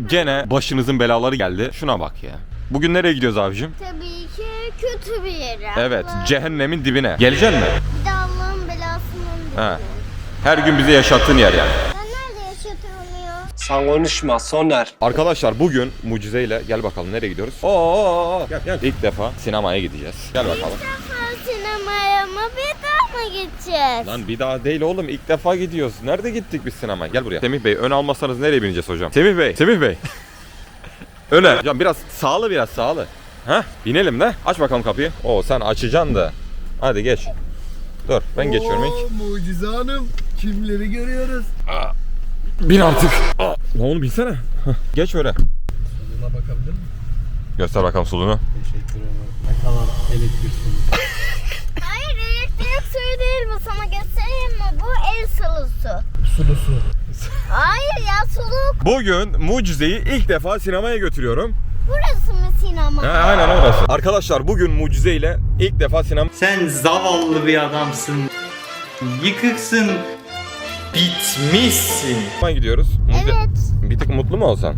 gene başınızın belaları geldi. Şuna bak ya. Bugün nereye gidiyoruz abicim? Tabii ki kötü bir yere. Evet, cehennemin dibine. Geleceksin mi? Bir de Allah'ın belasından He. Her gün bize yaşattığın yer yani. Ben nerede yaşatıyorum ya? Sen konuşma Soner. Arkadaşlar bugün mucizeyle gel bakalım nereye gidiyoruz? Oo, gel. İlk defa sinemaya gideceğiz. Gel bakalım. İlk defa sinemaya mı bir daha mı gideceğiz? Lan bir daha değil oğlum, ilk defa gidiyoruz. Nerede gittik biz sinemaya? Gel buraya. Semih Bey, ön almasanız nereye bineceğiz hocam? Semih Bey. Öne. Hocam biraz sağlı. Heh, binelim de. Aç bakalım kapıyı. Oo, sen açacaksın da. Hadi geç. Dur, ben geçiyorum ilk. Mucize Hanım, kimleri görüyoruz? Bin artık. Lan onu bilsene. Geç öyle. Buna bakabilir miyim? Göster bakalım sulunu. Teşekkür ederim. Ne kadar elektriksin. Hayır, elektrik suyu değil bu, sana göstereyim mi? Bu el sulusu. Sulu su. Hayır ya, suluk. Bugün mucizeyi ilk defa sinemaya götürüyorum. Burası mı sinema? He, aynen orası. Arkadaşlar bugün mucizeyle ilk defa sinemaya Sen zavallı bir adamsın. Yıkıksın. Bitmişsin. gidiyoruz. Evet. Bir tık mutlu mu olsan?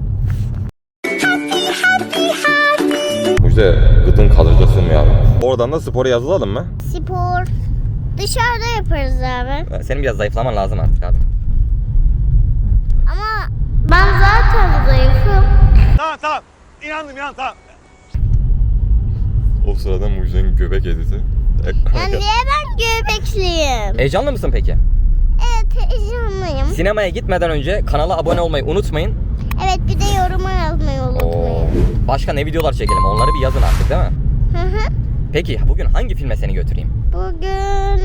Mucize gıdın kalıcı sığmıyor abi. Oradan da spora yazılalım mı? Spor. Dışarıda yaparız abi. Senin biraz zayıflaman lazım artık abi. Ama ben zaten zayıfım. Tamam. İnandım. O sırada Mucize'nin göbek editi. Yani niye ben göbekliyim? Heyecanlı mısın peki? Evet, heyecanlıyım. Sinemaya gitmeden önce kanala abone olmayı unutmayın. Evet, bir de yoruma yazmayı unutmayın. Başka ne videolar çekelim onları bir yazın artık değil mi? Hı hı. Peki bugün hangi filme seni götüreyim? Bugün...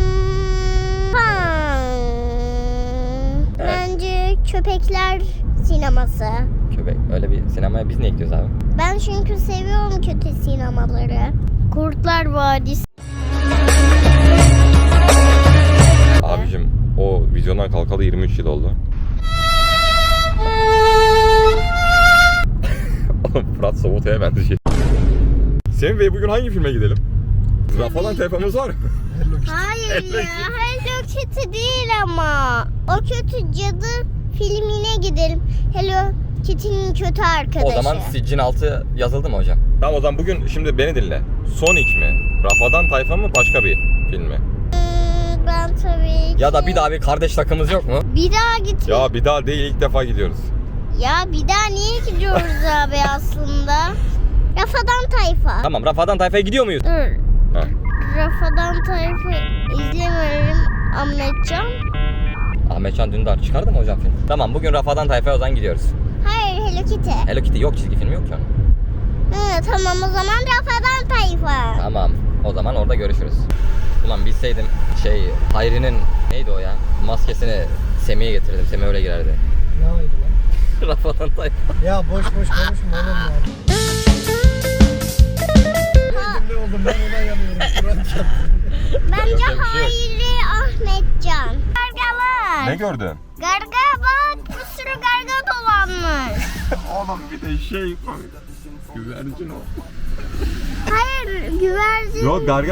Bence köpekler sineması. Köpek öyle bir sinemaya biz niye gidiyoruz abi? Ben çünkü seviyorum kötü sinemaları. Kurtlar Vadisi. Abicim o vizyondan kalkalı 23 yıl oldu. Fırat Sobuta'ya ben de şey. Semih Bey bugün hangi filme gidelim? Rafadan telefamız var mı? Hayır ya, Hello Kitty değil ama. O kötü cadı filmine gidelim. Hello Kitty'nin kötü arkadaşı. O zaman Siccin altı yazıldı mı hocam? Tamam o zaman bugün şimdi beni dinle. Sonic mi? Rafadan Tayfa mı? Başka bir film mi? Ben tabii ki... Ya da bir daha bir kardeş takımız yok mu? Bir daha gitme. Ya bir daha değil ilk defa gidiyoruz. Ya bir daha niye gidiyoruz abi aslında? Rafadan Tayfa. Tamam Rafadan Tayfa'ya gidiyor muyuz? Dur. Ha. Rafadan Tayfa izlemiyorum Ahmetcan. Ahmetcan Dündar çıkardı mı hocam film? Tamam bugün Rafadan Tayfa'ya o zaman gidiyoruz. Hayır, Hello Kitty. Hello Kitty yok, çizgi film yok ki onun. Tamam, o zaman Rafadan Tayfa. Tamam o zaman orada görüşürüz. Ulan bilseydim Hayri'nin neydi o ya? Maskesini Semih'e getirdim. Semih öyle girerdi. Ne oldu lan? Rafadan Tayfa. Ya boş konuşma oğlum ya. Ne oldu, ben ona yanıyorum. Kur'an çarptı. Bence Yapacak bir şey yok. Hayri Ahmetcan. Gargalar. Ne gördün? Garga bak, bir sürü garga dolanmış. Oğlum bir de şey koy. Güvercin o. Hayır, güvercin. Yok garga.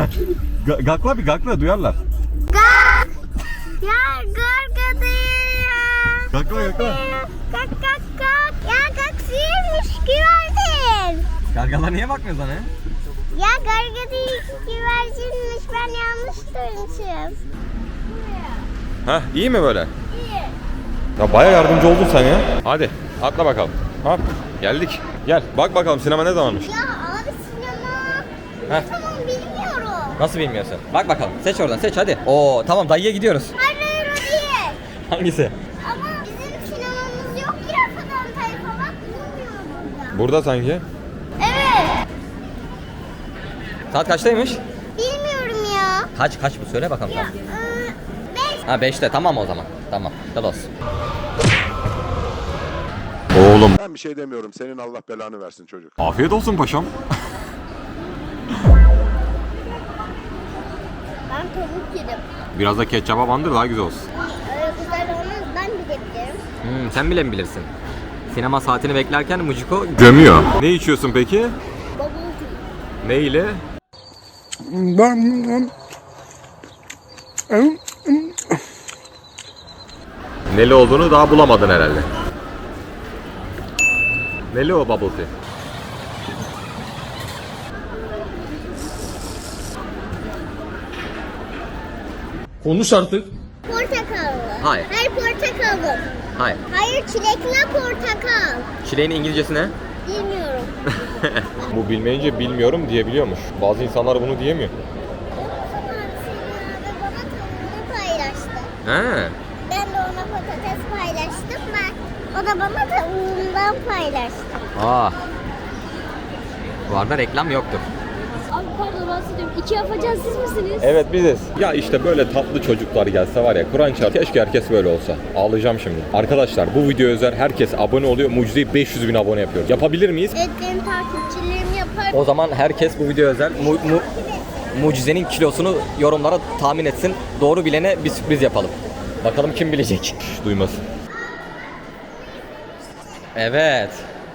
Gakla duyarlar. Gak. Ya garga değil ya. Gakla. Gak. Ya gaksiymiş, güvercin. Gargalar niye bakmıyorsun lan he? Ya garga değil, güvercinmiş. Ben yanlış duymuşum. Heh iyi mi böyle? İyi. Ya baya yardımcı oldun sen ya. Hadi atla bakalım. Hop geldik. Gel bak bakalım sinema ne zamanmış. Ya abi sinema. Heh. Tamam, bilmiyorum. Nasıl bilmiyorsun? Bak bakalım. Seç oradan seç hadi. Oo tamam dayıya gidiyoruz. Hayır, o değil. Hangisi? Ama bizim sinemamız yok ki Rafadan Tayfa, bak bulmuyor burada. Burada sanki. Evet. Saat kaçtaymış? Bilmiyorum ya. Kaç bu söyle bakalım sen. 5. Ha 5'te tamam o zaman. Tamam. Gel olsun. Oğlum. Ben bir şey demiyorum. Senin Allah belanı versin çocuk. Afiyet olsun paşam. Ben tavuk yedim. Biraz da ketçaba bandır daha güzel olsun. Öyle güzel olmaz, ben bilebilirim. Sen bile mi bilirsin? Sinema saatini beklerken Mujiko Gömüyor. Ne içiyorsun peki? Bubble tea. Ne ile? Neli olduğunu daha bulamadın herhalde. Neli o bubble tea? Konuş artık. Portakallı. Hayır. Hayır portakallı. Hayır. Hayır çilekli portakal. Çileğin İngilizcesi ne? Bilmiyorum. Bu bilmeyince bilmiyorum diyebiliyormuş. Bazı insanlar bunu diyemiyor. Abi bana tavuğunu paylaştı. Ha. Ben de ona patates paylaştım. O da bana tavuğundan paylaştı. Aa. Bu arada reklam yoktur. Abi pardon rahatsız ediyorum. İki yapacağız siz misiniz? Evet biziz. Ya işte böyle tatlı çocuklar gelse var ya, Kur'an çarpı keşke herkes böyle olsa. Ağlayacağım şimdi. Arkadaşlar bu video özel, herkes abone oluyor. Mucizeyi 500.000 abone yapıyoruz. Yapabilir miyiz? Evet benim takipçilerim yapar. O zaman herkes bu video özel mucizenin kilosunu yorumlara tahmin etsin. Doğru bilene bir sürpriz yapalım. Bakalım kim bilecek. Şş, duymasın. Evet.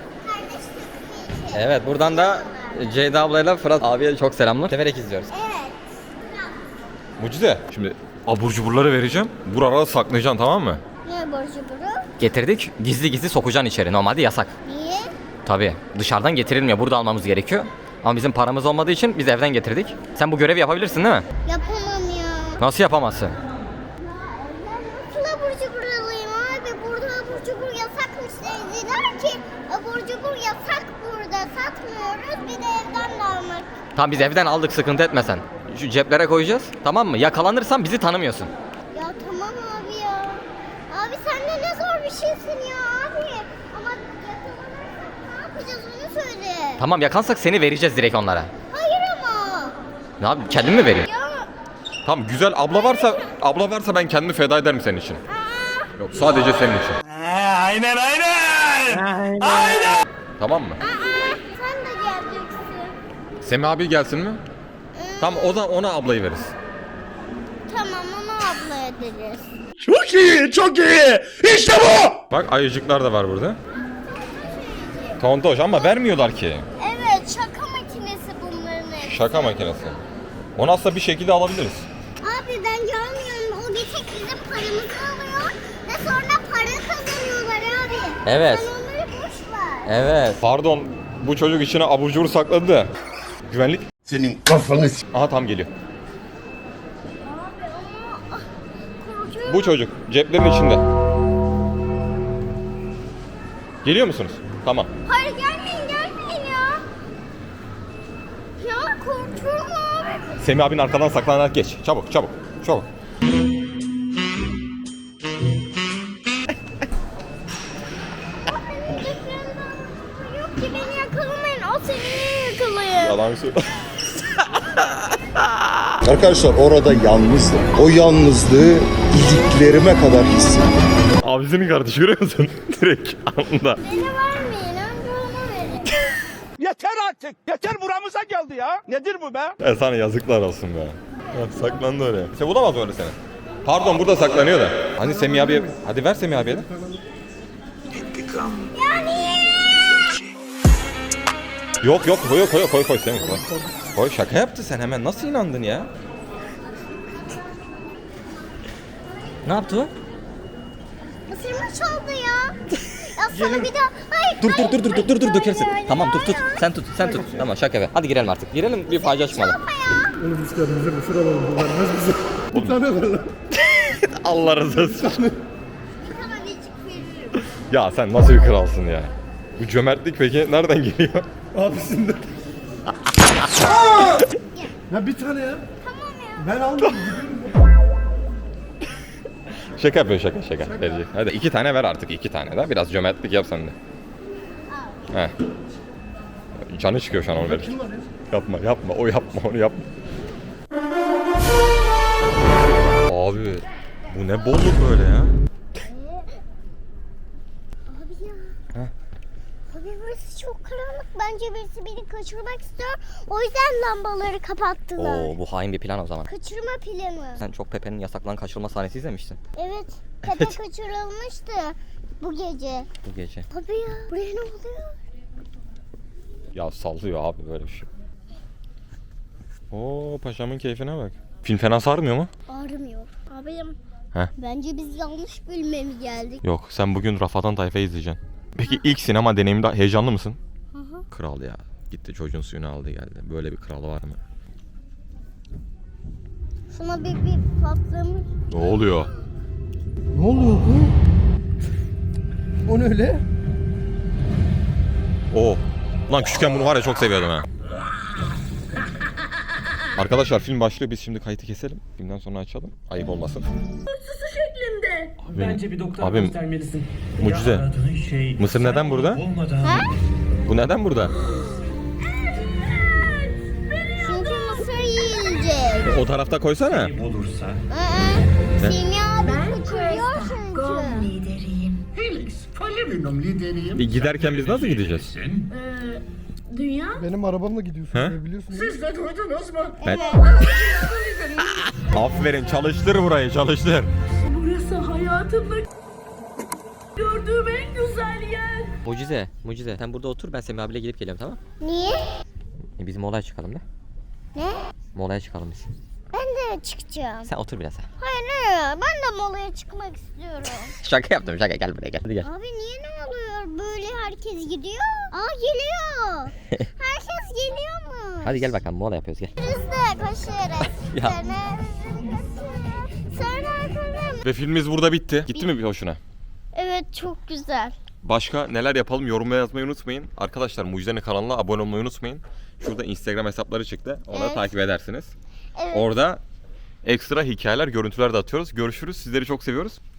Evet buradan da Ceyda ablayla Fırat abiye çok selamlar. Severek izliyoruz. Evet. Mucize. Şimdi abur cuburları vereceğim. Buralara saklayacaksın, tamam mı? Ne borcu bunu? Getirdik. Gizli gizli sokacaksın içeri. Normalde yasak. Niye? Tabii. Dışarıdan getirilmiyor. Burada almamız gerekiyor. Ama bizim paramız olmadığı için biz evden getirdik. Sen bu görevi yapabilirsin değil mi? Yapamam ya. Nasıl yapamazsın? Nasıl abur cubur alayım abi? Burada abur cubur yasakmış dediler ki abur cubur yasak burada. Satmıyoruz. Bir de evden de almak. Tamam biz evden aldık, sıkıntı etme sen. Şu ceplere koyacağız. Tamam mı? Yakalanırsan bizi tanımıyorsun. Ya tamam abi ya. Abi sen de ne zor bir şeysin ya abi. Ama yakalanırsak ne yapacağız onu söyle. Tamam yakansak seni vereceğiz direkt onlara. Hayır ama. Ne yapayım? Kendim mi vereyim? Ya. Tamam, güzel abla varsa ben kendimi feda ederim senin için. Yok, sadece senin için. Aynen aynen. Tamam mı? Sen de geleceksin. Semih abi gelsin mi? Tamam, o da ona ablayı veririz. Tamam onu abla ederiz. Çok iyi, çok iyi. İşte bu. Bak ayıcıklar da var burada. Tontoş ama vermiyorlar ki. Evet şaka makinesi bunların hepsi. Şaka makinesi. Onu aslında bir şekilde alabiliriz. Abi ben görmüyorum. O bir tek bizim paramızı alıyor. Ve sonra para kazanıyorlar abi. Evet. Sen onları boş ver. Evet. Pardon, bu çocuk içine abur cubur sakladı da. Güvenlik. Senin kafanı Aha tam geliyor. Abi ama korkuyorum. Bu çocuk ceplerin içinde. Geliyor musunuz? Tamam. Hayır gelmeyin ya. Ya korkuyorum abi. Semih abinin arkadan saklanarak geç. Çabuk çabuk çabuk. Yok ki beni yakalamayın. O seni yakalayın. Yalan söyle. Arkadaşlar orada yalnızdım. O yalnızlığı iliklerime kadar hissettim. Abisinin kardeşi, görüyor musun? Direkt anında. Beni vermeyin. Önce ona verin. Yeter artık. Yeter buramıza geldi ya. Nedir bu be? Sana yazıklar olsun be. Ya, saklandı oraya. İşte bulamaz öyle seni. Pardon, burada saklanıyor da. Hani Semih abiye... Hadi ver Semih abiye de. Yok yok, koy Semih koy. Koy, şaka yaptı, sen hemen nasıl inandın ya? Ne yaptı o? Isırma çaldı ya. Ya sana bir daha... Hayır, Dur dökersin. hayır, Tamam hayır, tut. hayır. Sen tut. Tamam şaka be. Hadi girelim artık. Girelim, bir facia çıkmadı. Oğlum biz kendimize mısır alalım. Bu vermez bize. Bir tane ver lan. Allah razı olsun. Bir tanecik veririm. Ya sen nasıl bir kralsın ya? Bu cömertlik peki nereden geliyor? Abisinden. Ya bir tane ya. Tamam ya. Ben aldım. Şaka yapıyor, şaka. Verecek. Hadi 2 tane ver artık, 2 tane de. Biraz cömertlik yap sen de. Heh. Canı çıkıyor şu an onu verirken. Yapma, o yapma, onu yapma. Abi, bu ne bolluk böyle ya? Abi ya. Abi burası çok karanlık. Bence birisi beni kaçırmak istiyor. O yüzden lambaları kapattılar. Oo bu hain bir plan o zaman. Kaçırma planı. Sen çok Pepe'nin yasaklanan kaçırılma sahnesi izlemiştin Evet. Pepe kaçırılmıştı bu gece. bu gece. Abi ya. Buraya ne oluyor? Ya sallıyor abi böyle bir şey. Oo, paşamın keyfine bak. Film fena sarmıyor mu? Ağrımıyor. Abim. Heh. Bence biz yanlış bölüme mi geldik? Yok, sen bugün Rafadan Tayfa izleyeceksin. Peki ilk sinema deneyiminde heyecanlı mısın? Kral ya. Gitti çocuğun suyunu aldı geldi. Böyle bir kral var mı? Şuna bir patlamış. Ne oluyor? Ne oluyor bu? O ne öyle? Oo. Lan küçükken bunu var ya çok seviyordum ha. Arkadaşlar film başlıyor. Biz şimdi kayıtı keselim. Filmden sonra açalım. Ayıp olmasın. Bence bir doktora abim, göstermelisin. mucize. Ya aradığın şey, Mısır sen neden burada? olmadan- Bu neden burada? Çünkü mısır yiyecek. O tarafta koysana. Olursa. Ne? Simya abi kaçırıyor çünkü. Felix, Falerinum lideriyim. Giderken biz nasıl gideceğiz? Benim arabamla gidiyorsun He? diye biliyorsun. Siz de duydunuz mu? Ben... Aferin çalıştır burayı çalıştır. Burası hayatımda gördüğüm en güzel yer. Mucize. Sen burada otur, ben Semih abiyle gidip geliyorum, tamam? Niye? Biz molaya çıkalım da. Ne? Molaya çıkalım biz. Ben de çıkacağım. Sen otur biraz ha. Hayır, ben de molaya çıkmak istiyorum. Şaka yaptım, şaka. Gel buraya, gel. Hadi gel. Abi niye ne oluyor? Böyle herkes gidiyor. Aa geliyor. Herkes geliyor mu? Hadi gel bakalım, mola yapıyoruz, gel. Biz de koşuyoruz. Ya. Sonra arkadan. Ve filmimiz burada bitti. Gitti mi bir hoşuna? Evet çok güzel. Başka neler yapalım yorumlara yazmayı unutmayın. Arkadaşlar Mucize'nin kanalına abone olmayı unutmayın. Şurada Instagram hesapları çıktı. Onu Evet. takip edersiniz. Evet. Orada ekstra hikayeler, görüntüler de atıyoruz. Görüşürüz. Sizleri çok seviyoruz.